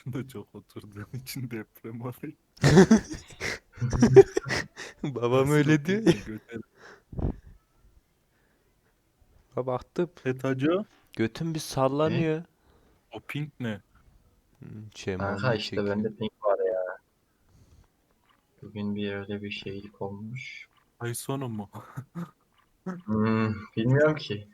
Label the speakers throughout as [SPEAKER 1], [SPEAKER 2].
[SPEAKER 1] başında çok oturduğun için deprem oluyor.
[SPEAKER 2] Babam
[SPEAKER 1] Nasıl
[SPEAKER 2] öyle diyor ya.
[SPEAKER 1] götür.
[SPEAKER 2] Baktım.
[SPEAKER 1] Hacı.
[SPEAKER 2] Götüm bir
[SPEAKER 3] Ne?
[SPEAKER 2] sallanıyor.
[SPEAKER 1] O pink ne?
[SPEAKER 2] Şey
[SPEAKER 3] Kanka
[SPEAKER 2] Muhammed
[SPEAKER 3] işte
[SPEAKER 2] çekiyor.
[SPEAKER 3] bende ping var ya. Bugün bir öyle bir şeylik olmuş.
[SPEAKER 1] Ay sonu mu?
[SPEAKER 3] Bilmiyorum ki.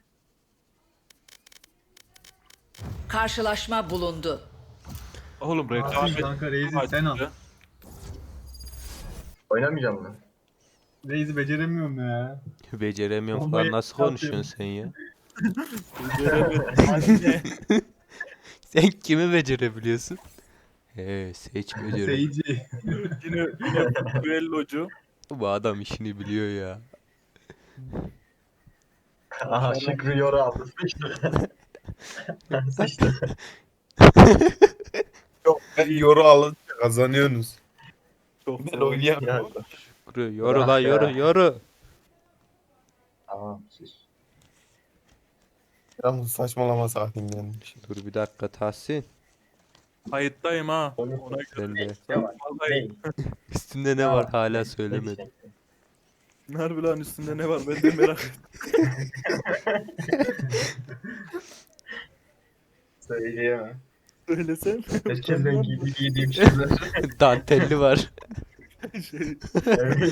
[SPEAKER 4] Karşılaşma bulundu.
[SPEAKER 1] Oğlum
[SPEAKER 5] Aferin
[SPEAKER 1] rekabet
[SPEAKER 5] kanka Reis'i sen al.
[SPEAKER 1] ya.
[SPEAKER 3] Oynamayacağım mı?
[SPEAKER 5] Reis'i beceremiyorum ya.
[SPEAKER 2] Beceremiyorum falan.
[SPEAKER 5] Bombayı
[SPEAKER 2] Nasıl
[SPEAKER 5] atıyorum.
[SPEAKER 2] konuşuyorsun sen ya?
[SPEAKER 1] Beceremedim. Anne.
[SPEAKER 2] Sen kimi becerebiliyorsun? He, seç beceriyor.
[SPEAKER 5] Seyirci.
[SPEAKER 1] Yine düellocu.
[SPEAKER 2] Bu adam işini biliyor ya.
[SPEAKER 3] Aha Şükrü Yoru aldı. Sıçtı. Sıçtı.
[SPEAKER 6] Yok ben yoru alınca kazanıyorsunuz.
[SPEAKER 1] Çok
[SPEAKER 6] Ben
[SPEAKER 1] zor.
[SPEAKER 6] oynayamıyorum.
[SPEAKER 2] Yoru, yoru
[SPEAKER 3] Bırak
[SPEAKER 2] lan
[SPEAKER 3] ya.
[SPEAKER 2] yoru yoru.
[SPEAKER 3] Tamam sus.
[SPEAKER 6] Yalnız saçmalama saatin gelmiş.
[SPEAKER 2] Dur bir dakika Tahsin.
[SPEAKER 1] Kayıttayım ha. Ona göre.
[SPEAKER 2] Sen de.
[SPEAKER 3] Ne var?
[SPEAKER 1] Vallahi
[SPEAKER 2] Üstünde ne var hala söylemedim.
[SPEAKER 1] harbi lan üstünde ne var ben de merak ettim.
[SPEAKER 3] Söyleyemem.
[SPEAKER 1] Söylesen.
[SPEAKER 3] Herkesten giydiğim şeyler.
[SPEAKER 2] Dantelli var.
[SPEAKER 1] şey,
[SPEAKER 3] Evet.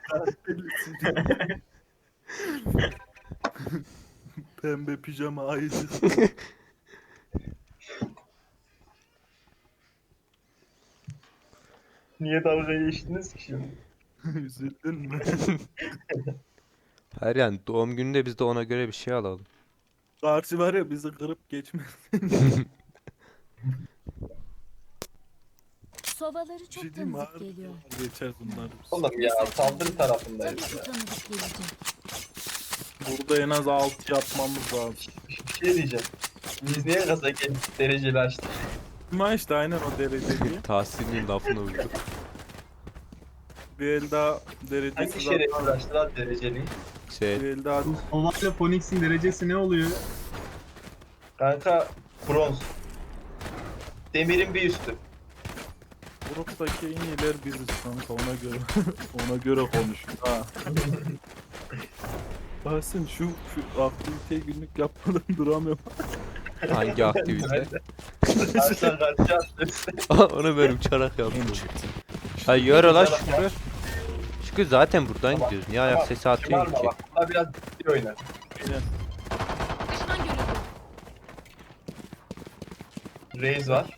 [SPEAKER 1] Pembe pijama ayıcık.
[SPEAKER 3] Niye dalga geçtiniz ki şimdi?
[SPEAKER 1] Üzüldün mü?
[SPEAKER 2] Hayır yani doğum gününde biz de ona göre bir şey alalım.
[SPEAKER 1] Karşı var ya bizi kırıp geçmez.
[SPEAKER 7] Sovaları
[SPEAKER 1] Bir
[SPEAKER 7] çok
[SPEAKER 1] şey diyeyim mi?
[SPEAKER 7] tanıdık
[SPEAKER 1] Harbi
[SPEAKER 7] geliyor.
[SPEAKER 1] geçer bunlar.
[SPEAKER 3] Oğlum ya saldırı
[SPEAKER 7] Tabii
[SPEAKER 3] tarafındayız
[SPEAKER 7] ki
[SPEAKER 3] ya.
[SPEAKER 7] tanıdık gelecek.
[SPEAKER 1] Burada en az 6 yapmamız lazım.
[SPEAKER 3] Bir şey diyeceğim. Biz niye gaza gelip dereceli açtık?
[SPEAKER 1] Ama işte aynen o dereceli.
[SPEAKER 2] Tahsin'in lafına uydu.
[SPEAKER 1] Bir el daha
[SPEAKER 3] Hangi
[SPEAKER 1] derecesi
[SPEAKER 3] şerefsiz açtı lan dereceli?
[SPEAKER 1] Bir
[SPEAKER 2] Şey,
[SPEAKER 1] el daha
[SPEAKER 5] Bu Sova ile Phoenix'in derecesi ne oluyor?
[SPEAKER 3] Kanka bronz. Demirin bir üstü.
[SPEAKER 1] gruptaki en iyiler biziz kanka ona göre. Ona göre konuş. Ha. Bahsin şu aktiviteyi günlük yapmadan duramıyorum.
[SPEAKER 2] hangi aktivite?
[SPEAKER 3] Karşıdan karşıya attı.
[SPEAKER 2] Onu ben uçarak yaptım. Hay yoru lan Şükrü. Şükrü zaten buradan
[SPEAKER 3] Tamam,
[SPEAKER 2] gidiyoruz. Niye ayak
[SPEAKER 3] tamam.
[SPEAKER 2] sesi atıyorsun
[SPEAKER 3] Şımarma
[SPEAKER 2] ki?
[SPEAKER 3] bak. Bunlar biraz ciddi oynar.
[SPEAKER 1] Aynen.
[SPEAKER 7] Düşman görüldü.
[SPEAKER 3] Reis var.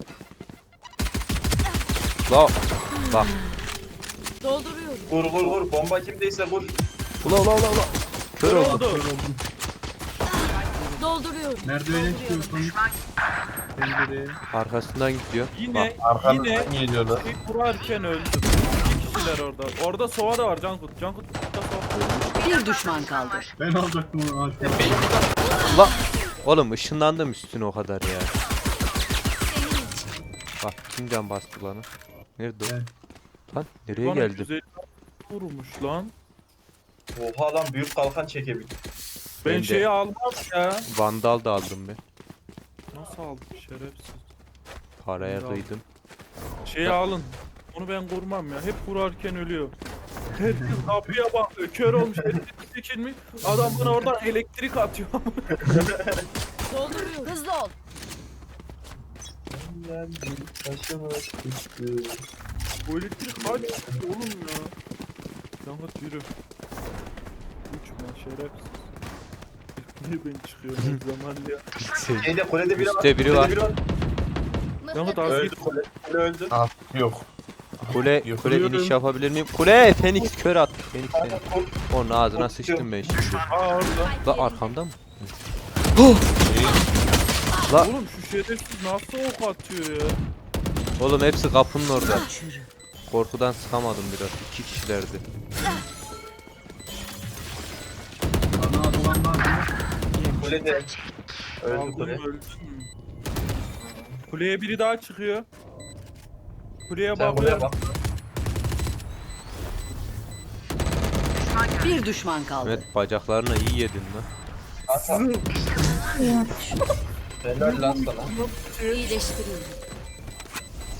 [SPEAKER 2] La bak.
[SPEAKER 7] Dolduruyorum.
[SPEAKER 3] Vur vur vur. Bomba kimdeyse vur.
[SPEAKER 2] Ula ula ula ula. Kör oldu.
[SPEAKER 7] Dolduruyorum.
[SPEAKER 5] Merdivene çıkıyor Phoenix. Pencereye.
[SPEAKER 2] Arkasından gidiyor.
[SPEAKER 1] Yine
[SPEAKER 6] Arkanızdan geliyorlar.
[SPEAKER 1] bir kurarken öldüm. İki kişiler orada. Orada Sova da var Cankut. Cankut burada Sova.
[SPEAKER 4] Bir düşman kaldı.
[SPEAKER 5] Ben alacaktım onu aşağı.
[SPEAKER 2] La. Oğlum ışınlandım üstüne o kadar ya. Bak kimden bastı lan? Nerede o?
[SPEAKER 5] Ben.
[SPEAKER 2] Lan nereye
[SPEAKER 1] Bana
[SPEAKER 2] geldim?
[SPEAKER 1] güzel vurmuş lan.
[SPEAKER 3] Oha lan büyük kalkan çekebilir.
[SPEAKER 1] Ben
[SPEAKER 2] Ben de.
[SPEAKER 1] şeyi almam ya.
[SPEAKER 2] Vandal da aldım ben.
[SPEAKER 1] Nasıl aldım şerefsiz.
[SPEAKER 2] Paraya
[SPEAKER 1] Vandal.
[SPEAKER 2] kıydım.
[SPEAKER 1] Şeyi alın. Onu ben kurmam ya. Hep kurarken ölüyor. Herkes kapıya bakıyor. Kör olmuş. Elektrik çekilmiş. Adam bana oradan elektrik atıyor.
[SPEAKER 7] Dolduruyorum. Hızlı ol.
[SPEAKER 1] Bu elektrik kaç oğlum ya. Cankut yürü. Uçma şerefsiz. Niye ben çıkıyorum her zaman ya.
[SPEAKER 3] Şeyde kulede biri var.
[SPEAKER 2] Üstte biri var.
[SPEAKER 1] Cankut az
[SPEAKER 3] Öldü
[SPEAKER 1] git.
[SPEAKER 3] kule. Kule öldü.
[SPEAKER 6] Yok.
[SPEAKER 2] Kule
[SPEAKER 6] Yok.
[SPEAKER 2] kule iniş yapabilir miyim? Kule Fenix kör attı. Fenix seni. Onun ağzına sıçtım ben şimdi.
[SPEAKER 1] Aa orada.
[SPEAKER 2] La arkamda mı? La
[SPEAKER 1] Oğlum şu şerefsiz nasıl ok atıyor ya.
[SPEAKER 2] oğlum hepsi kapının orada. Korkudan sıkamadım biraz. İki kişilerdi.
[SPEAKER 5] Bana atılan var mı?
[SPEAKER 3] Kulede. Öldü
[SPEAKER 1] Aldım
[SPEAKER 3] kule.
[SPEAKER 1] öldüm. Kuleye biri daha çıkıyor. Kuleye
[SPEAKER 3] Sen kuleye
[SPEAKER 1] bakıyor.
[SPEAKER 3] bak.
[SPEAKER 4] Bir düşman kaldı.
[SPEAKER 2] Evet bacaklarına iyi yedin lan.
[SPEAKER 3] Kanka. Helal lan sana.
[SPEAKER 7] İyileştiriyorum.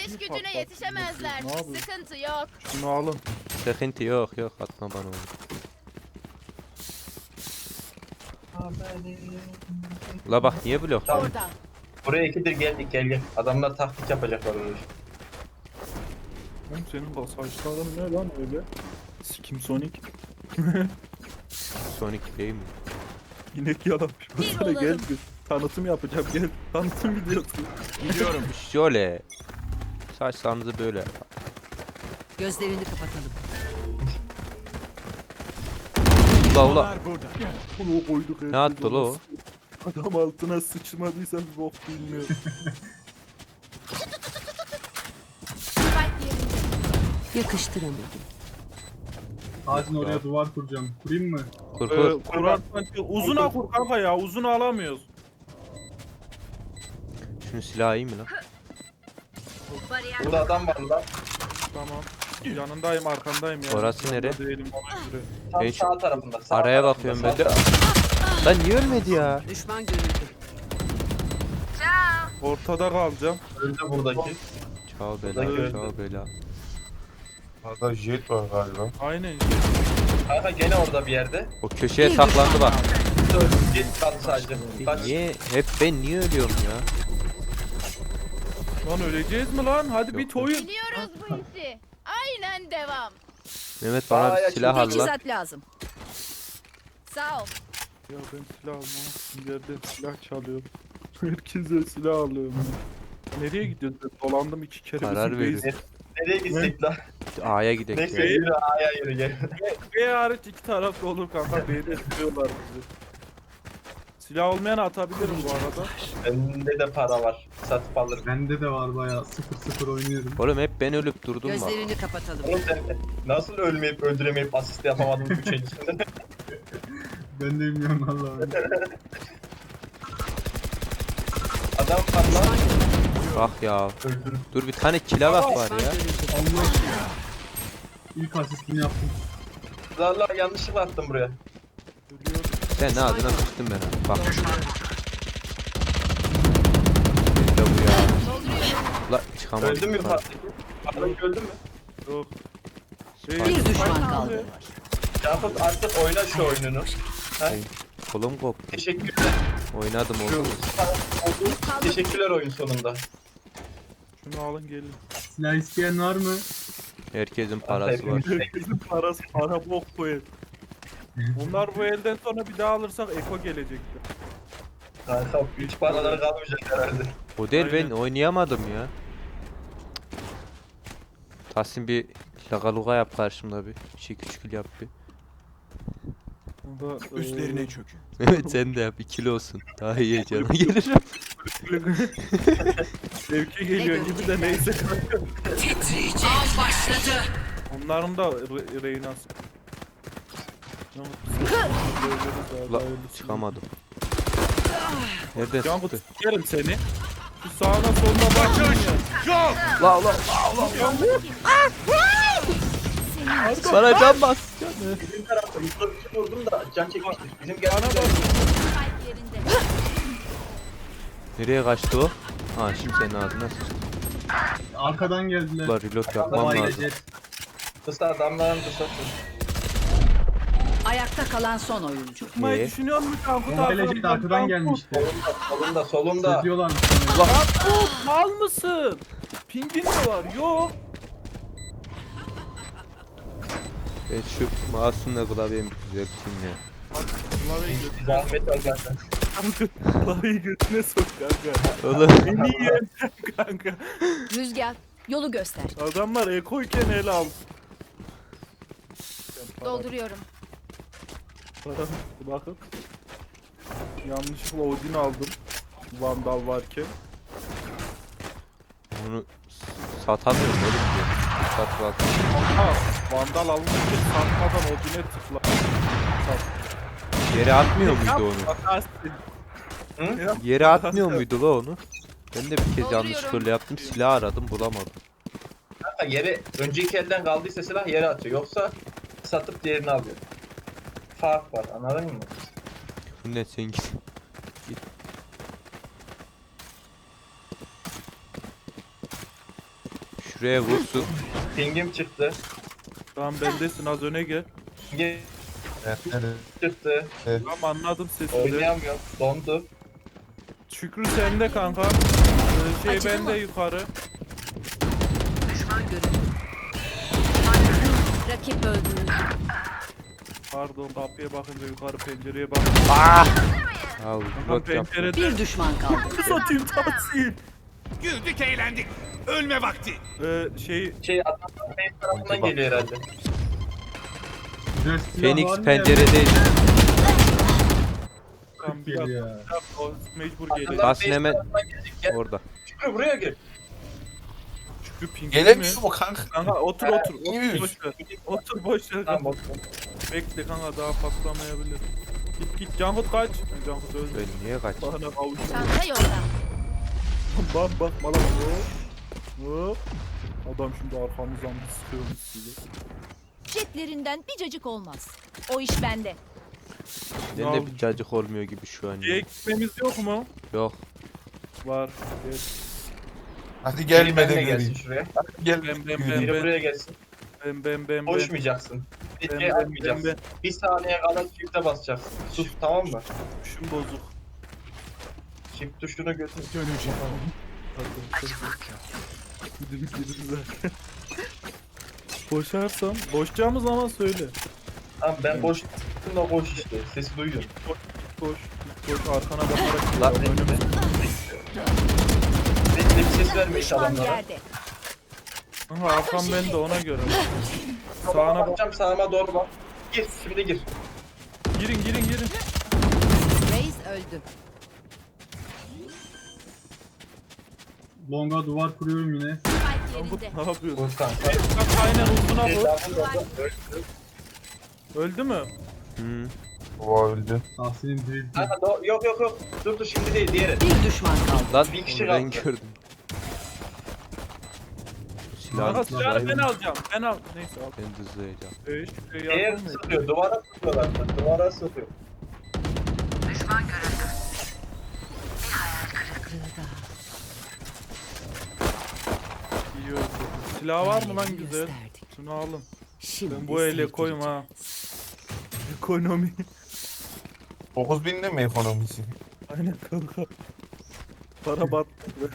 [SPEAKER 7] İş gücüne yetişemezler.
[SPEAKER 1] Ne yapıyorsun?
[SPEAKER 7] Sıkıntı yok.
[SPEAKER 1] Şunu alın.
[SPEAKER 2] Sıkıntı yok atma bana onu. Ula bak niye blok?
[SPEAKER 3] Tamam.
[SPEAKER 7] Orada.
[SPEAKER 3] Buraya ikidir geldik gel. Adamlar taktik yapacaklar oraya.
[SPEAKER 1] Oğlum senin bu saçların ne lan öyle? Sikim Sonic.
[SPEAKER 2] Sonic değil mi?
[SPEAKER 1] İnek yalamış.
[SPEAKER 7] Bir
[SPEAKER 1] Sana gel
[SPEAKER 7] olalım.
[SPEAKER 1] bir tanıtım yapacağım gel. Tanıtım videosu.
[SPEAKER 2] Şöyle. Saçlarınızı böyle.
[SPEAKER 4] Gözlerini kapatalım.
[SPEAKER 2] Ula.
[SPEAKER 1] Bunu koyduk.
[SPEAKER 2] Ne attı la o?
[SPEAKER 1] Adam altına sıçmadıysa bir bok bilmiyor.
[SPEAKER 7] Spike yerinde.
[SPEAKER 4] Yakıştıramadım.
[SPEAKER 5] Ağacın oraya duvar kuracağım. Kurayım mı?
[SPEAKER 2] Kur kur.
[SPEAKER 1] Kurarsan uzuna kur kanka ya uzunu alamıyoruz.
[SPEAKER 2] Şunu silah iyi mi lan?
[SPEAKER 3] Burada adam var lan.
[SPEAKER 1] Tamam. Yanındayım arkandayım ya.
[SPEAKER 2] Orası
[SPEAKER 1] Yanında
[SPEAKER 2] nere?
[SPEAKER 1] Değilim ona göre.
[SPEAKER 3] Tam
[SPEAKER 2] Ben şu
[SPEAKER 3] sağ tarafında. Sağ
[SPEAKER 2] araya
[SPEAKER 3] tarafında,
[SPEAKER 2] bakıyorum
[SPEAKER 3] sağ
[SPEAKER 2] ben de.
[SPEAKER 3] tarafında.
[SPEAKER 2] Lan niye ölmedi ya?
[SPEAKER 4] Düşman görüldü.
[SPEAKER 1] Ortada kalacağım.
[SPEAKER 3] Öldü buradaki.
[SPEAKER 2] Çao
[SPEAKER 3] Buradaki
[SPEAKER 2] bela,
[SPEAKER 3] öldü.
[SPEAKER 2] çao bela.
[SPEAKER 6] Hatta jet var galiba.
[SPEAKER 1] Aynen.
[SPEAKER 3] Kanka gene orada bir yerde.
[SPEAKER 2] O köşeye saklandı bak.
[SPEAKER 3] Git kaldı sadece. Kaç.
[SPEAKER 2] Niye? Hep ben niye ölüyorum ya?
[SPEAKER 1] Lan öleceğiz mi lan? Hadi bir
[SPEAKER 2] Yok.
[SPEAKER 1] toyun.
[SPEAKER 7] Biliyoruz bu işi. Aynen devam.
[SPEAKER 2] Mehmet bana
[SPEAKER 3] Aa,
[SPEAKER 2] bir
[SPEAKER 3] ya
[SPEAKER 2] silah al lan.
[SPEAKER 4] Teçhizat lazım.
[SPEAKER 7] Sağ ol.
[SPEAKER 1] Ya ben silah almam. Yerden silah çalıyorum. Herkese silah alıyorum. Nereye gidiyorsun? Ben dolandım 2 kere.
[SPEAKER 2] Karar
[SPEAKER 1] bizim
[SPEAKER 2] verin.
[SPEAKER 1] base-
[SPEAKER 3] Nereye gitsek lan?
[SPEAKER 2] A'ya gidelim.
[SPEAKER 3] Neyse
[SPEAKER 2] ya.
[SPEAKER 3] yürü A'ya yürü gel.
[SPEAKER 1] B hariç iki tarafta olur kanka. B'de tutuyorlar bizi. Silah olmayan atabilirim bu arada.
[SPEAKER 3] Bende de para var. Satıp alırım.
[SPEAKER 5] Bende de var bayağı 0-0 oynuyorum.
[SPEAKER 2] Oğlum hep ben ölüp durdum bak.
[SPEAKER 4] Gözlerini kapatalım.
[SPEAKER 3] Oğlum sen nasıl ölmeyip öldüremeyip asist yapamadın 3 el içinde?
[SPEAKER 5] Ben de bilmiyorum Allah'ım.
[SPEAKER 3] Adam var lan.
[SPEAKER 2] Bak ya.
[SPEAKER 3] Öldürüp.
[SPEAKER 2] Dur bir tane kilabak var ya.
[SPEAKER 5] Allah. İlk asistini yaptım.
[SPEAKER 3] Allah yanlışlıkla attım buraya.
[SPEAKER 2] Sen ne adına sıçtın ben ha. Bak. İşte bu ya. La çıkamadım.
[SPEAKER 3] Öldü mü Fatih? Adam öldü mü?
[SPEAKER 1] Yok.
[SPEAKER 4] Bir düşman kaldı.
[SPEAKER 3] Yakup artık oyna şu oyununu.
[SPEAKER 2] Kolum koptu.
[SPEAKER 3] Teşekkürler.
[SPEAKER 2] Oynadım oğlum.
[SPEAKER 3] Teşekkürler oyun sonunda.
[SPEAKER 1] Şunu alın gelin.
[SPEAKER 5] Silah isteyen var mı?
[SPEAKER 2] Herkesin parası var.
[SPEAKER 1] Herkesin parası para bok bu el. Bunlar bu elden sonra bir daha alırsak Eko gelecekti.
[SPEAKER 3] Kanka hiç paraları kalmayacak herhalde.
[SPEAKER 2] O değil ben
[SPEAKER 1] Aynen.
[SPEAKER 2] oynayamadım ya. Tahsin bir lagaluga yap karşımda bir. Şey küçük yap bir.
[SPEAKER 1] Bunda,
[SPEAKER 8] Üstlerine çökün.
[SPEAKER 2] Evet sen de yap 2'li olsun. Daha iyi cana gelir.
[SPEAKER 1] Zevke geliyor gibi de neyse.
[SPEAKER 4] Av başladı.
[SPEAKER 1] Onların da Reyna'sı.
[SPEAKER 2] La çıkamadım. Nereden
[SPEAKER 1] Cankut
[SPEAKER 2] çıktı?
[SPEAKER 1] sikerim seni. Şu sağına soluna bakın ya.
[SPEAKER 2] La la. Bana can bas.
[SPEAKER 3] Bizim tarafta Mustafa bir şey vurdum da can çekmiştir. Bizim
[SPEAKER 1] Bana
[SPEAKER 3] geldiğimiz
[SPEAKER 1] bak.
[SPEAKER 7] Spike yerinde.
[SPEAKER 2] Nereye kaçtı o? Ha şimdi senin ağzına sıçtı.
[SPEAKER 5] Arkadan geldiler.
[SPEAKER 2] La reload yapmam
[SPEAKER 3] Vay
[SPEAKER 2] lazım.
[SPEAKER 3] kısa adamların kısa.
[SPEAKER 4] Ayakta kalan son oyuncu.
[SPEAKER 1] Çıkmayı düşünüyor musun Cankut
[SPEAKER 5] Bomba gelecekti arkadan gelmişti.
[SPEAKER 3] Solunda.
[SPEAKER 5] Sözlüyorlar.
[SPEAKER 1] Cankut mal mısın? Pingin mi var? Yok.
[SPEAKER 2] Ben şu mouse'umla klavyemi düzelteyim ya.
[SPEAKER 1] Klavyeyi götüne
[SPEAKER 3] Zahmet var zaten.
[SPEAKER 1] Klavyeyi götüne sok kanka.
[SPEAKER 2] Oğlum.
[SPEAKER 1] Beni yiyen kanka.
[SPEAKER 7] Rüzgar. Yolu göster.
[SPEAKER 1] Adamlar ekoyken el al.
[SPEAKER 7] Dolduruyorum.
[SPEAKER 1] Bakın. Yanlışlıkla Odin aldım. Vandal varken.
[SPEAKER 2] Onu satamıyorum oğlum diyor. Sat.
[SPEAKER 1] Ha, Vandal alınırken satmadan Odin'e tıkla.
[SPEAKER 2] Yere atmıyor muydu onu?
[SPEAKER 1] Atarsın.
[SPEAKER 2] Yere atmıyor muydu la onu? Ben de bir kez
[SPEAKER 7] Dolduruyorum.
[SPEAKER 2] yanlışlıkla yaptım. Silah aradım bulamadım.
[SPEAKER 3] Kanka yere önceki elden kaldıysa silah yere atıyor. Yoksa satıp diğerini alıyor. Fark var anladın mı?
[SPEAKER 2] Bu ne sen git. Şuraya vursun.
[SPEAKER 3] Pingim çıktı.
[SPEAKER 1] Tamam bendesin az öne gel.
[SPEAKER 3] Pingim
[SPEAKER 6] Evet, evet.
[SPEAKER 3] çıktı.
[SPEAKER 1] Tamam anladım sesini.
[SPEAKER 3] Oynayamıyorum. Dondu.
[SPEAKER 1] Şükrü sende kanka. Şey
[SPEAKER 4] Acıdı
[SPEAKER 1] bende
[SPEAKER 4] mı?
[SPEAKER 1] yukarı.
[SPEAKER 7] Rakip öldürüldü.
[SPEAKER 1] Pardon kapıya bakınca yukarı pencereye bak.
[SPEAKER 2] Ya
[SPEAKER 1] Kanka
[SPEAKER 2] rot yap.
[SPEAKER 1] pencerede
[SPEAKER 4] Bir düşman kaldı.
[SPEAKER 1] satayım tahsil.
[SPEAKER 8] Güldük eğlendik. Ölme vakti.
[SPEAKER 1] Şey
[SPEAKER 3] Şey adamlar benim tarafından
[SPEAKER 2] Bak.
[SPEAKER 3] geliyor herhalde.
[SPEAKER 5] Güzel silah
[SPEAKER 2] Phoenix
[SPEAKER 5] var mı ya?
[SPEAKER 2] penceredeydi.
[SPEAKER 1] tam biraz
[SPEAKER 5] Geliyor.
[SPEAKER 1] o mecbur gelecek.
[SPEAKER 3] Adamlar
[SPEAKER 2] Bas
[SPEAKER 3] benim
[SPEAKER 2] hemen.
[SPEAKER 3] tarafından gelecek. Gel.
[SPEAKER 2] Orada.
[SPEAKER 3] Şükrü buraya gel.
[SPEAKER 1] Şükrü pingin mi?
[SPEAKER 6] Gelemiyor mu kanka?
[SPEAKER 1] Kanka otur otur.
[SPEAKER 6] İyi.
[SPEAKER 1] Otur boş ver. Otur boş ver.
[SPEAKER 3] Tamam bak.
[SPEAKER 1] Bekle kanka daha patlamayabilir. Git Cankut kaç. Cankut öldü.
[SPEAKER 2] Ben niye kaç?
[SPEAKER 1] Bana avuç.
[SPEAKER 7] Çanta yolda.
[SPEAKER 1] Bak bak bana bak. Hop. Adam şimdi arkamızdan bir sıkıyormuş size.
[SPEAKER 7] Jetlerinden bir cacık olmaz. O iş bende.
[SPEAKER 2] Ben de bir cacık olmuyor gibi şu an.
[SPEAKER 1] Şeye
[SPEAKER 2] Ya.
[SPEAKER 1] gitmemiz yok mu?
[SPEAKER 2] Yok.
[SPEAKER 1] Var. Evet.
[SPEAKER 6] Hadi
[SPEAKER 3] Biri
[SPEAKER 6] gelmeden
[SPEAKER 3] benimle gelsin
[SPEAKER 6] geleyim.
[SPEAKER 3] şuraya.
[SPEAKER 6] Gel.
[SPEAKER 1] Ben
[SPEAKER 3] Biri buraya gelsin.
[SPEAKER 1] ben.
[SPEAKER 3] Koşmayacaksın. Bir şey
[SPEAKER 1] Ben.
[SPEAKER 3] atmayacaksın. Bir saniye kala çifte basacaksın. Sus tamam mı?
[SPEAKER 1] Şun bozuk.
[SPEAKER 3] Çift tuşunu götür.
[SPEAKER 1] Boşarsam, boşacağımız zaman söyle.
[SPEAKER 3] Tamam ben boş tuttum da koş işte. Sesi duyuyorum.
[SPEAKER 1] Koş, koş arkana bakarak.
[SPEAKER 2] Lan.
[SPEAKER 1] önüme.
[SPEAKER 3] Bekle bir ses verme iş
[SPEAKER 7] Düşman
[SPEAKER 3] adamlara.
[SPEAKER 7] yerde.
[SPEAKER 1] Aha arkam bende ona göre.
[SPEAKER 3] Sağına
[SPEAKER 1] Sağına bak.
[SPEAKER 3] bakacağım sağıma doğru bak. Gir şimdi gir.
[SPEAKER 1] Girin.
[SPEAKER 4] Reis öldü.
[SPEAKER 5] Longa duvar kuruyorum yine.
[SPEAKER 7] Spike
[SPEAKER 1] Cankut
[SPEAKER 7] yerinde.
[SPEAKER 1] ne yapıyorsun?
[SPEAKER 3] Vur kanka.
[SPEAKER 1] Bak aynen uzuna vur.
[SPEAKER 3] Cezanı da öldü.
[SPEAKER 1] Öldü mü?
[SPEAKER 2] Hı.
[SPEAKER 6] Baba öldü.
[SPEAKER 5] Tahsin'in dirilti.
[SPEAKER 3] Kanka yok. Dur şimdi değil diğeri.
[SPEAKER 4] Bir düşman kaldı.
[SPEAKER 2] Lan
[SPEAKER 3] Bir kişi
[SPEAKER 2] onu ben
[SPEAKER 3] kaldı.
[SPEAKER 2] gördüm.
[SPEAKER 1] Kanka
[SPEAKER 2] Silahın
[SPEAKER 1] silahı ben alacağım. Ben al. Neyse al.
[SPEAKER 2] Ben dızlayacağım.
[SPEAKER 3] Şeye
[SPEAKER 1] Yardım mı?
[SPEAKER 3] sıkıyor. Duvara sıkıyorlar. Duvara sıkıyor.
[SPEAKER 1] İyi öldü. Silah var mı lan
[SPEAKER 4] Yerini
[SPEAKER 1] güzel?
[SPEAKER 4] gösterdik.
[SPEAKER 1] Şunu alın.
[SPEAKER 4] Şimdi
[SPEAKER 1] Ben bu ele koyma ha. Ekonomi.
[SPEAKER 6] 9000 de mi ekonomisi?
[SPEAKER 1] Aynen kanka. Para battı.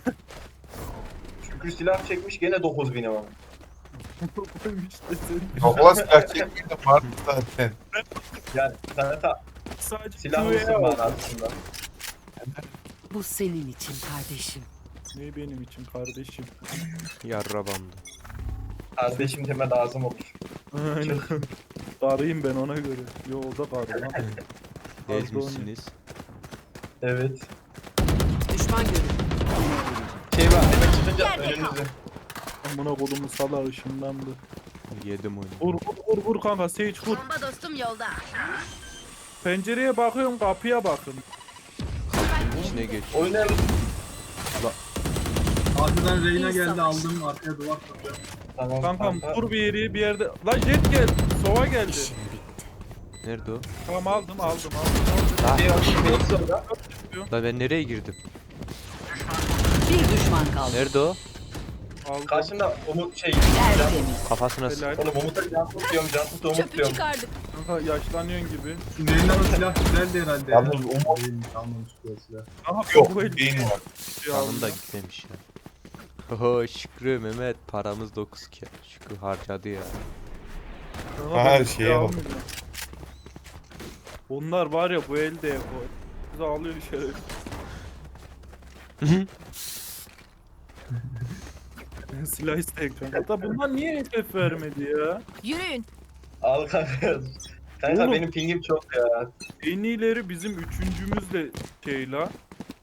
[SPEAKER 3] Şükrü silah çekmiş gene 9000'e var.
[SPEAKER 1] Koymuş desin.
[SPEAKER 6] Yok lan silah çekmeydi vardı zaten.
[SPEAKER 3] Yani kanka
[SPEAKER 1] Sadece
[SPEAKER 3] silah
[SPEAKER 1] Q'ya
[SPEAKER 3] mısın
[SPEAKER 1] bak.
[SPEAKER 3] manasında.
[SPEAKER 4] bu senin için kardeşim.
[SPEAKER 1] Ne benim için kardeşim.
[SPEAKER 2] Yarrabamdı.
[SPEAKER 3] Kardeşim deme lazım olur.
[SPEAKER 1] Aynen. Karıyım ben ona göre. Yo o da karı lan.
[SPEAKER 2] Gezmişsiniz.
[SPEAKER 3] Evet.
[SPEAKER 4] Düşman görüldü.
[SPEAKER 3] Şey var hemen çıkınca
[SPEAKER 7] Yerde kal.
[SPEAKER 3] önümüzde.
[SPEAKER 1] Amına kodumu sala ışınlandı.
[SPEAKER 2] Yedim oyunu.
[SPEAKER 1] Vur kanka Sage vur.
[SPEAKER 7] Bomba dostum yolda.
[SPEAKER 1] Pencereye bakıyorum kapıya bakın.
[SPEAKER 2] Kapının içine geç.
[SPEAKER 3] Oynayalım.
[SPEAKER 5] Arkadan Reyna
[SPEAKER 7] İyi
[SPEAKER 5] geldi
[SPEAKER 7] savaş.
[SPEAKER 5] aldım. Arkaya duvar kuruyorum.
[SPEAKER 3] Tamam
[SPEAKER 1] Kankam
[SPEAKER 3] kanka.
[SPEAKER 1] vur bir yeri bir yerde. Lan jet geldi. Sova geldi.
[SPEAKER 2] Nerede o?
[SPEAKER 1] Tamam aldım.
[SPEAKER 3] Şey var, benim sonra.
[SPEAKER 2] Lan ben nereye girdim?
[SPEAKER 4] Bir düşman kaldı.
[SPEAKER 2] Nerede o?
[SPEAKER 1] Aldım.
[SPEAKER 3] Karşımda Umut şey.
[SPEAKER 4] Tertemiz.
[SPEAKER 2] Kafasına sık.
[SPEAKER 1] Helal.
[SPEAKER 3] Oğlum Umut'a can tutuyorum, can tut Umut
[SPEAKER 7] Çöpü
[SPEAKER 3] diyorum.
[SPEAKER 7] çıkardık.
[SPEAKER 1] Kanka yaşlanıyorsun gibi.
[SPEAKER 5] Şimdi Reyna'nın silah güzeldi herhalde.
[SPEAKER 6] Yalnız
[SPEAKER 5] ya.
[SPEAKER 6] Umut-
[SPEAKER 5] Değilmiş, almamış bu silah.
[SPEAKER 1] Aha
[SPEAKER 6] Yok
[SPEAKER 1] bu el-
[SPEAKER 6] beyni var.
[SPEAKER 2] Canım da gitmemiş ya. Oho Şükrü Mehmet paramız 9 ki. Şükrü harcadı ya.
[SPEAKER 1] Kanka
[SPEAKER 6] Her
[SPEAKER 1] ben bir
[SPEAKER 6] şeye
[SPEAKER 1] şey
[SPEAKER 6] bak.
[SPEAKER 1] almayacağım. Onlar var ya bu elde o. Bizi alıyor şeref. Ben silah isteyim kanka. Da bunlar niye FF vermedi ya?
[SPEAKER 7] Yürüyün.
[SPEAKER 3] Al kanka. Kanka
[SPEAKER 1] Oğlum.
[SPEAKER 3] benim pingim çok ya.
[SPEAKER 1] En iyileri bizim üçüncümüzle şey la.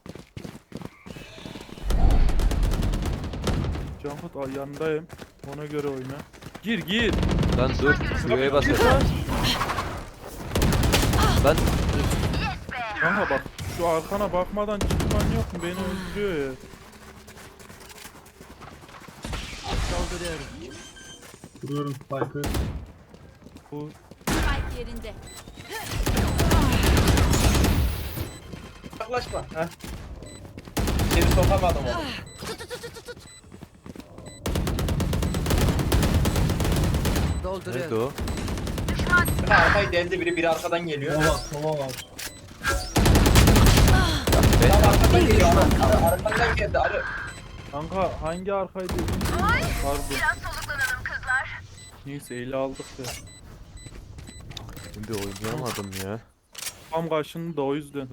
[SPEAKER 1] Cankut yanındayım. Ona göre oyna. Gir.
[SPEAKER 2] Lan dur. Şuraya basacağım. Lan
[SPEAKER 1] Kanka bak şu arkana bakmadan çıkman yok mu? Beni öldürüyor ya.
[SPEAKER 5] Kuruyorum Spike'ı.
[SPEAKER 1] Bu
[SPEAKER 7] Spike yerinde.
[SPEAKER 3] Yaklaşma. Heh. Seni sokamadım onu.
[SPEAKER 2] Nerede o?
[SPEAKER 3] Bir arkayı deldi biri arkadan geliyor.
[SPEAKER 5] Sova var.
[SPEAKER 3] Tam arkadan
[SPEAKER 4] Bir
[SPEAKER 3] geliyor.
[SPEAKER 4] düşman kaldı.
[SPEAKER 3] Arkadan geldi. Arı.
[SPEAKER 1] Kanka hangi arkaydı? Pardon. Neyse eli aldık ya.
[SPEAKER 2] Ben bir oynayamadım ya.
[SPEAKER 1] Tam karşında o yüzden.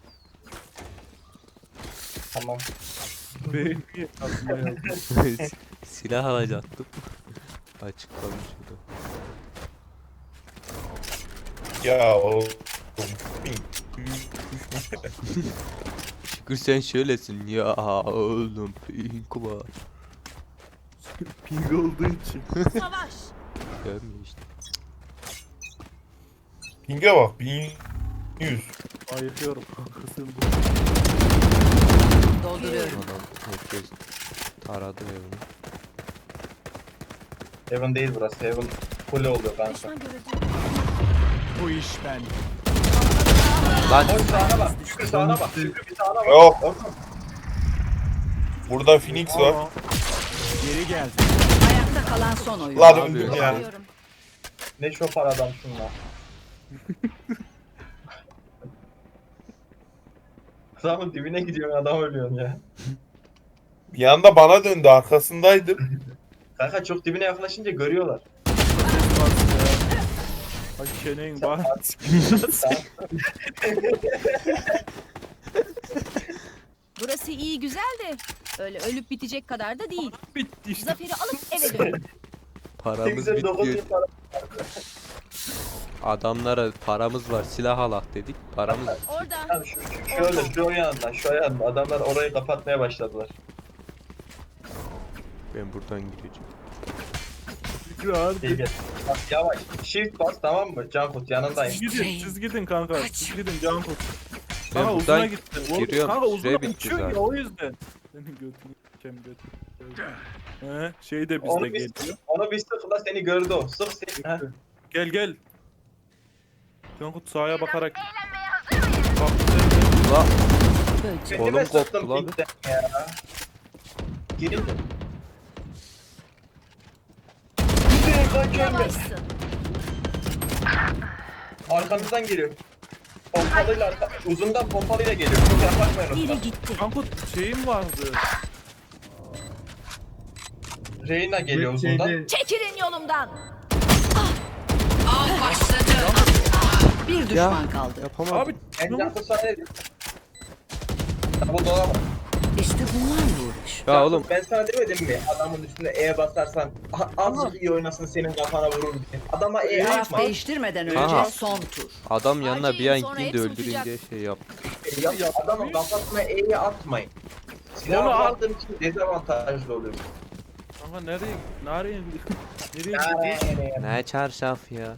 [SPEAKER 3] Tamam.
[SPEAKER 1] Beğeni aslında yazdım.
[SPEAKER 2] Silah alacaktım. Açıklamış o da.
[SPEAKER 6] Ya oğlum.
[SPEAKER 2] Şükür sen şöylesin ya oğlum pink var.
[SPEAKER 1] Ping olduğu için.
[SPEAKER 7] Savaş.
[SPEAKER 2] Görmüyor işte.
[SPEAKER 6] Ping'e bak 1100.
[SPEAKER 1] Ayıkıyorum kanka sen bu.
[SPEAKER 4] Dolduruyorum.
[SPEAKER 2] Adam herkes taradı evini.
[SPEAKER 3] Heaven değil burası. Heaven full oluyor kanka.
[SPEAKER 7] Düşman görüldü.
[SPEAKER 8] Bu iş ben.
[SPEAKER 2] Lan
[SPEAKER 3] Koş sağına bak. Şükrü sağına bak. Şükrü bir sağına bak.
[SPEAKER 6] Yok.
[SPEAKER 3] Orada.
[SPEAKER 6] Burada Phoenix var.
[SPEAKER 1] Aa,
[SPEAKER 8] Geri geldi.
[SPEAKER 4] Ayakta kalan son oyun.
[SPEAKER 6] Lan
[SPEAKER 2] Abi.
[SPEAKER 6] öldüm ya.
[SPEAKER 7] Arıyorum.
[SPEAKER 3] Ne şoför adam şunlar. Adamın dibine gidiyorsun adam ölüyorsun ya.
[SPEAKER 6] Bir anda bana döndü arkasındaydım.
[SPEAKER 3] Kanka çok dibine yaklaşınca görüyorlar.
[SPEAKER 1] ses bas ya. Ay çeneğin var.
[SPEAKER 7] Burası iyi güzel de öyle ölüp bitecek kadar da değil.
[SPEAKER 1] Bitti işte.
[SPEAKER 7] Zaferi alıp eve dön.
[SPEAKER 2] paramız
[SPEAKER 3] Kimse 9
[SPEAKER 2] bitiyor.
[SPEAKER 3] yıl para.
[SPEAKER 2] Adamlara paramız var silah alak dedik. Paramız
[SPEAKER 7] Orada.
[SPEAKER 3] Tamam, şöyle şu yandan şu yandan adamlar orayı kapatmaya başladılar.
[SPEAKER 2] ben buradan gireceğim.
[SPEAKER 1] Şükrü harbi.
[SPEAKER 3] Gel gel. Bak yavaş. Shift bas tamam mı? Cankut yanındayım.
[SPEAKER 1] Siz gidin, siz gidin kanka. Siz gidin can tut.
[SPEAKER 2] Ben
[SPEAKER 1] Kanka uzuna
[SPEAKER 2] buradan
[SPEAKER 1] gitti. Oğlum,
[SPEAKER 2] giriyorum,
[SPEAKER 1] kanka
[SPEAKER 2] süre
[SPEAKER 1] uzuna
[SPEAKER 2] bitti
[SPEAKER 1] uçuyor
[SPEAKER 2] zaten.
[SPEAKER 1] ya o yüzden. Senin götünü kem götünü. He, şey de bizde
[SPEAKER 3] Onu
[SPEAKER 1] geliyor.
[SPEAKER 3] onu bir sıkla seni gördü o. Sık seni. Ha.
[SPEAKER 1] Gel gel. Cankut sağa bakarak. Bak sen
[SPEAKER 2] Ula
[SPEAKER 4] Böcek.
[SPEAKER 3] Kendime
[SPEAKER 2] Kolum koptu
[SPEAKER 3] sıktım
[SPEAKER 2] lan.
[SPEAKER 3] pinkten ya. Geri dön. Gidin kaç önde.
[SPEAKER 7] Yavaşsın.
[SPEAKER 3] Arkanızdan geliyor. Pompalıyla uzundan pompalıyla geliyor. Çok yaklaşmayın
[SPEAKER 7] Biri
[SPEAKER 3] ondan.
[SPEAKER 7] gitti.
[SPEAKER 1] Cankut şeyim vardı.
[SPEAKER 3] Reyna geliyor uzundan.
[SPEAKER 5] Şeyde
[SPEAKER 7] Çekilin yolumdan.
[SPEAKER 4] Av başladı. Bir düşman kaldı.
[SPEAKER 2] yapamadım.
[SPEAKER 1] Abi
[SPEAKER 3] En yakın sahne. Bu dolama.
[SPEAKER 4] İşte bunlarla uğraş.
[SPEAKER 2] Ya oğlum
[SPEAKER 3] Ben sana demedim mi? Adamın üstüne E basarsan azıcık iyi oynasın senin kafana vurur diye. Adama E
[SPEAKER 4] Taraf
[SPEAKER 3] atma.
[SPEAKER 4] değiştirmeden önce
[SPEAKER 2] Aha.
[SPEAKER 4] son tur.
[SPEAKER 2] adam yanına bir an
[SPEAKER 7] Acil, sonra
[SPEAKER 2] gideyim de
[SPEAKER 7] hepsi
[SPEAKER 2] öldüreyim
[SPEAKER 7] uçacak.
[SPEAKER 2] diye şey yap.
[SPEAKER 3] Adamın kafasına E'yi atmayın. Silahı
[SPEAKER 1] Onu at.
[SPEAKER 3] aldığın için dezavantajlı oluyorsun.
[SPEAKER 1] kanka nereye nereye nereye gidiyorsun?
[SPEAKER 2] Ne çarşaf ya.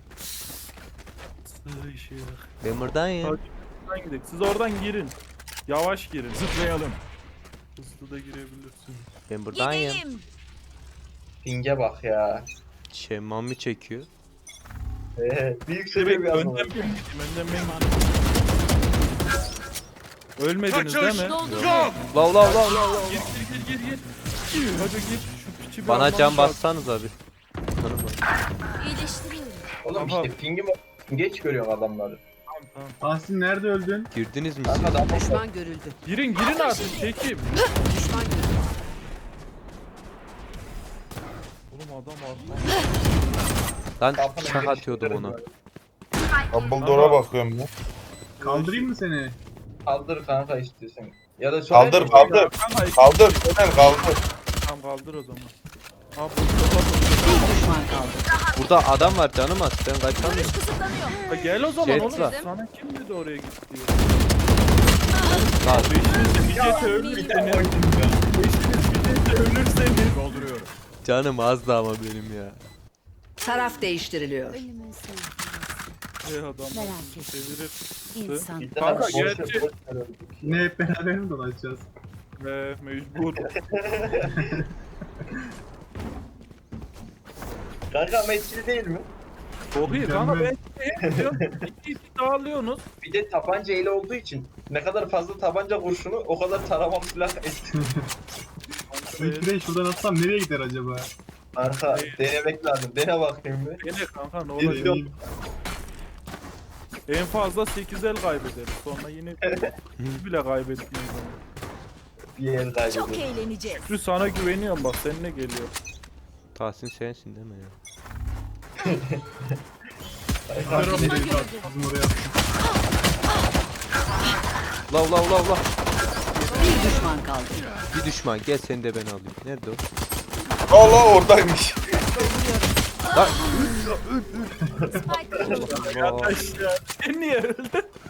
[SPEAKER 1] Şey.
[SPEAKER 2] Ben buradayım.
[SPEAKER 1] Oradan gidelim. Siz oradan girin. Yavaş girin.
[SPEAKER 8] Zıplayalım.
[SPEAKER 1] Hızlı da girebilirsin.
[SPEAKER 2] Ben buradayım.
[SPEAKER 7] Gidelim.
[SPEAKER 3] Ping'e bak ya.
[SPEAKER 2] Şemmamı çekiyor.
[SPEAKER 3] Büyük sebebi bir adam.
[SPEAKER 1] Önden ben gideyim. Önden ben gideyim. Ölmediniz değil mi?
[SPEAKER 8] Yok.
[SPEAKER 2] La la la la.
[SPEAKER 1] Gir. Hadi gir. Şu piçi bir
[SPEAKER 2] Bana
[SPEAKER 1] almamız
[SPEAKER 2] can
[SPEAKER 1] lazım.
[SPEAKER 2] bassanız abi.
[SPEAKER 7] İyileştiriyorum.
[SPEAKER 3] Oğlum
[SPEAKER 1] Tamam.
[SPEAKER 3] işte ping'i geç görüyorsun adamları.
[SPEAKER 1] Tamam.
[SPEAKER 5] Tahsin nerede öldün?
[SPEAKER 2] Girdiniz mi siz?
[SPEAKER 3] Kanka adam
[SPEAKER 4] Düşman görüldü.
[SPEAKER 1] Girin artık çekeyim.
[SPEAKER 4] Düşman görüldü.
[SPEAKER 1] Oğlum adam arkamda.
[SPEAKER 2] Lan
[SPEAKER 3] kafana
[SPEAKER 2] şak
[SPEAKER 3] giriş
[SPEAKER 2] atıyordum
[SPEAKER 3] görüyoruz
[SPEAKER 2] ona.
[SPEAKER 3] böyle.
[SPEAKER 6] Dumbledore'a bakıyorum ya.
[SPEAKER 5] Kaldırayım mı seni?
[SPEAKER 3] Kaldır kanka istiyorsan. Ya da
[SPEAKER 6] Kaldır
[SPEAKER 3] söyle.
[SPEAKER 6] kaldır.
[SPEAKER 1] Kanka
[SPEAKER 6] Kaldır. Ömer kaldır.
[SPEAKER 1] tamam kaldır o zaman. Abi
[SPEAKER 4] Bir düşman kaldı.
[SPEAKER 2] Burada adam var canım az. Ben kaçamıyorum.
[SPEAKER 7] Görüş kısıtlanıyor.
[SPEAKER 1] gel o zaman
[SPEAKER 2] Jet
[SPEAKER 1] oğlum.
[SPEAKER 2] var.
[SPEAKER 1] Sana kim dedi oraya git diye.
[SPEAKER 2] Lan
[SPEAKER 1] Beşiniz bir jete ölürseniz. Beşiniz bir jete ölürseniz.
[SPEAKER 8] Dolduruyorum.
[SPEAKER 2] canım az da ama benim ya.
[SPEAKER 4] Taraf değiştiriliyor.
[SPEAKER 7] Ölümün sevgisi.
[SPEAKER 1] Ey adam.
[SPEAKER 7] Merak etme.
[SPEAKER 1] Çevirir.
[SPEAKER 7] İnsan.
[SPEAKER 3] Bir de
[SPEAKER 1] Kanka,
[SPEAKER 3] boş-
[SPEAKER 1] gerçi-
[SPEAKER 3] boş ver öyle.
[SPEAKER 5] Yine hep beraber mi dolaşacağız?
[SPEAKER 1] Mecbur.
[SPEAKER 3] Kanka meçhili değil mi?
[SPEAKER 1] Çok iyi kanka
[SPEAKER 5] Mükemmel.
[SPEAKER 1] ben diyorum. İki dağılıyorsunuz.
[SPEAKER 3] Bir de tabanca eli olduğu için ne kadar fazla tabanca kurşunu o kadar tarama silah etti.
[SPEAKER 5] İlk de şuradan atsam nereye gider acaba?
[SPEAKER 3] Arka denemek lazım. Dene bakayım bir.
[SPEAKER 1] Dene kanka ne
[SPEAKER 3] Bir
[SPEAKER 1] olacak?
[SPEAKER 3] yok.
[SPEAKER 1] En fazla 8 el kaybederiz. Sonra yine biz bile kaybettiğimiz zaman.
[SPEAKER 3] Bir yer
[SPEAKER 7] Çok
[SPEAKER 3] kaybediyorum.
[SPEAKER 7] eğleneceğiz.
[SPEAKER 1] Şükrü sana güveniyorum bak seninle geliyor.
[SPEAKER 2] Tahsin sensin değil mi ya?
[SPEAKER 7] Düşman görüldü.
[SPEAKER 5] Ağzını oraya attım.
[SPEAKER 2] Lav lav lav lav.
[SPEAKER 4] Bir düşman kaldı.
[SPEAKER 2] Bir düşman gel seni de ben alayım. Nerede o?
[SPEAKER 6] Allah oradaymış.
[SPEAKER 7] Spike
[SPEAKER 2] Allah.
[SPEAKER 1] Arkadaş ya sen niye öldün?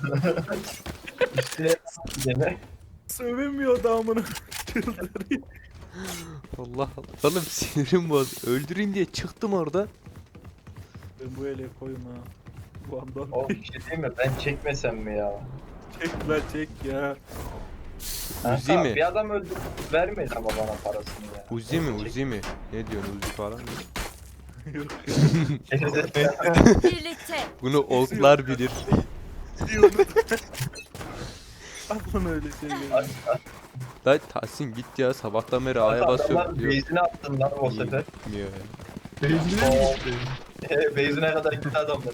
[SPEAKER 3] İşte dene.
[SPEAKER 1] Sövemiyor damını. Çıldırıyor.
[SPEAKER 2] Allah Allah. Oğlum sinirim bozdu. Öldüreyim diye çıktım orada.
[SPEAKER 1] Ben bu ele koyayım ha. Bu andan
[SPEAKER 3] Oğlum bir şey diyeyim mi? Ben çekmesem mi ya?
[SPEAKER 1] çek lan çek ya.
[SPEAKER 2] Uzi
[SPEAKER 3] Kanka,
[SPEAKER 2] mi?
[SPEAKER 3] Bir adam öldü. Vermedi ama bana parasını ya.
[SPEAKER 2] Uzi mi Uzi mi? Ne diyorsun Uzi falan mı?
[SPEAKER 1] Yok
[SPEAKER 7] birlikte.
[SPEAKER 2] Bunu oklar bilir.
[SPEAKER 1] diyorum. Aklına öyle şey geliyor.
[SPEAKER 2] Lan Tahsin git ya sabahtan beri A'ya basıyorum
[SPEAKER 3] Adamlar
[SPEAKER 2] diyor.
[SPEAKER 3] base'ine attın lan o sefer.
[SPEAKER 2] Gitmiyor ya.
[SPEAKER 5] Beyzine mi gitti?
[SPEAKER 3] Base'ine kadar gitti adamlar.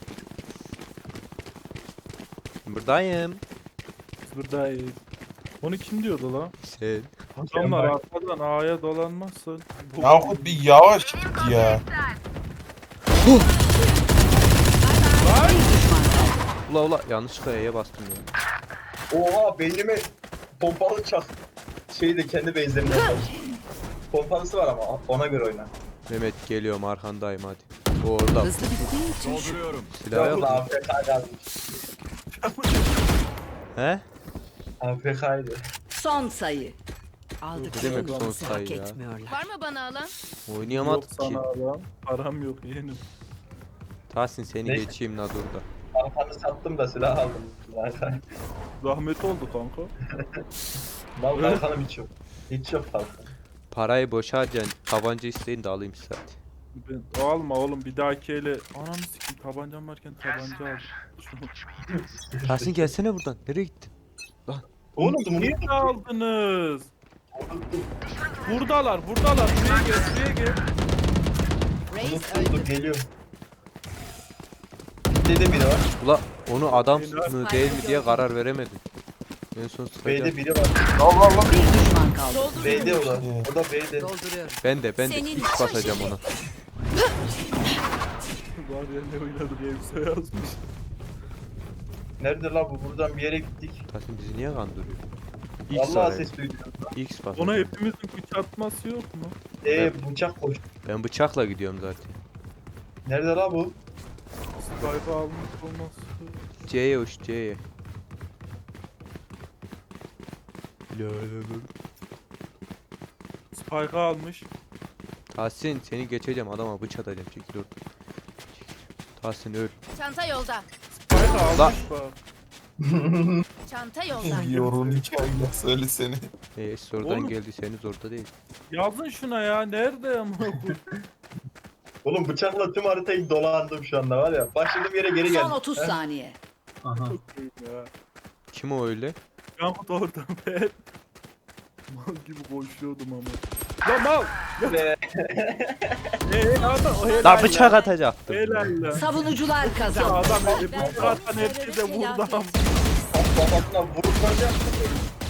[SPEAKER 2] Buradayım.
[SPEAKER 1] Biz buradayız. Onu kim diyordu lan?
[SPEAKER 2] Sen.
[SPEAKER 1] Adamlar arkadan A'ya dolanmazsın. Bu-
[SPEAKER 6] Yankut bir yavaş git ya.
[SPEAKER 4] Bir düşman kaldı.
[SPEAKER 2] Ula ula yanlışlıkla E'ye bastım ya.
[SPEAKER 3] Oha beynime pompalı çak. Şeyi kendi base'lerinden var. Pompalısı var ama ona göre oyna.
[SPEAKER 2] Mehmet geliyorum arkandayım hadi. O orada.
[SPEAKER 4] Hızlı bittiği için şu
[SPEAKER 8] Dolduruyorum.
[SPEAKER 2] Silah yok
[SPEAKER 3] Yok
[SPEAKER 2] mu?
[SPEAKER 3] AFK yazmış.
[SPEAKER 2] He?
[SPEAKER 3] AFK'ydı.
[SPEAKER 4] son sayı.
[SPEAKER 2] Ne
[SPEAKER 4] Aldıkları
[SPEAKER 2] demek son
[SPEAKER 4] bonusu hak
[SPEAKER 2] sayı ya?
[SPEAKER 4] etmiyorlar.
[SPEAKER 7] Var mı bana alan?
[SPEAKER 1] Yok
[SPEAKER 2] Oynayamadık ki.
[SPEAKER 1] sana adam. Param yok yeğenim.
[SPEAKER 2] Tahsin seni
[SPEAKER 3] Ne?
[SPEAKER 2] geçeyim la durda.
[SPEAKER 3] Arkanı sattım da silah aldım. Zaten.
[SPEAKER 1] Zahmet oldu kanka.
[SPEAKER 3] Mal kalkanım hiç yok. Hiç yok kalkan.
[SPEAKER 2] Parayı boşa harcayan tabanca isteyin de alayım zaten.
[SPEAKER 1] Ben, alma oğlum bir dahaki ele. Ananı sikeyim tabancam varken tabanca al. Şunu.
[SPEAKER 2] Tahsin gelsene buradan. Nereye gittin?
[SPEAKER 3] Oğlum
[SPEAKER 1] Niye aldınız? Buradalar. Buraya gel.
[SPEAKER 7] Reis
[SPEAKER 3] unuttum
[SPEAKER 7] öldü.
[SPEAKER 3] geliyorum. B'de biri var.
[SPEAKER 2] Ula onu adam mı değil mi diye karar veremedim. En son sıkacağım.
[SPEAKER 3] B'de biri var.
[SPEAKER 6] Allah Allah.
[SPEAKER 4] Bir düşman kaldı.
[SPEAKER 3] B'de o da. O da B'de.
[SPEAKER 4] Dolduruyorum.
[SPEAKER 2] Ben de
[SPEAKER 7] Senin
[SPEAKER 2] ilk basacağım ona.
[SPEAKER 1] Var ya ne oynadı diye bir şey yazmış.
[SPEAKER 3] Nerede la bu? Buradan bir yere gittik.
[SPEAKER 2] Tahsin bizi niye kandırıyor? X
[SPEAKER 3] Vallahi
[SPEAKER 2] arayın.
[SPEAKER 3] ses duydum.
[SPEAKER 2] X bas.
[SPEAKER 1] Ona hepimizin güç atması yok mu?
[SPEAKER 3] Bıçak koş.
[SPEAKER 2] Ben bıçakla gidiyorum zaten.
[SPEAKER 3] Nerede la bu?
[SPEAKER 1] Spike almış olması.
[SPEAKER 2] C'ye uç C'ye. La la la.
[SPEAKER 1] Spike almış.
[SPEAKER 2] Tahsin seni geçeceğim adama bıçak atacağım çekil oradan. Tahsin öl.
[SPEAKER 7] Çanta yolda.
[SPEAKER 1] Spike almış
[SPEAKER 2] La-
[SPEAKER 1] bak.
[SPEAKER 7] Çanta yolda.
[SPEAKER 6] Yorun hikayeyle söyle seni.
[SPEAKER 2] Oradan
[SPEAKER 1] Oğlum.
[SPEAKER 2] geldiyseniz orada değil.
[SPEAKER 1] Yazın şuna ya. Nerede ama bu?
[SPEAKER 3] Oğlum bıçakla tüm haritayı dolandım şu anda var ya. Başladığım yere geri
[SPEAKER 4] Son
[SPEAKER 3] geldim.
[SPEAKER 4] 30 saniye.
[SPEAKER 5] Aha.
[SPEAKER 1] ya.
[SPEAKER 2] Kim o öyle?
[SPEAKER 1] Yankut orada ben. Mal gibi koşuyordum ama. Ya mal!
[SPEAKER 3] Ve
[SPEAKER 1] Adam o helal
[SPEAKER 2] La bıçak
[SPEAKER 1] lan.
[SPEAKER 2] atacaktım.
[SPEAKER 1] Helal lan.
[SPEAKER 4] Savunucular
[SPEAKER 1] Ya
[SPEAKER 4] kazandı.
[SPEAKER 1] adam bıçak atan herkese vurdu ama.
[SPEAKER 3] kafasına vurulacak.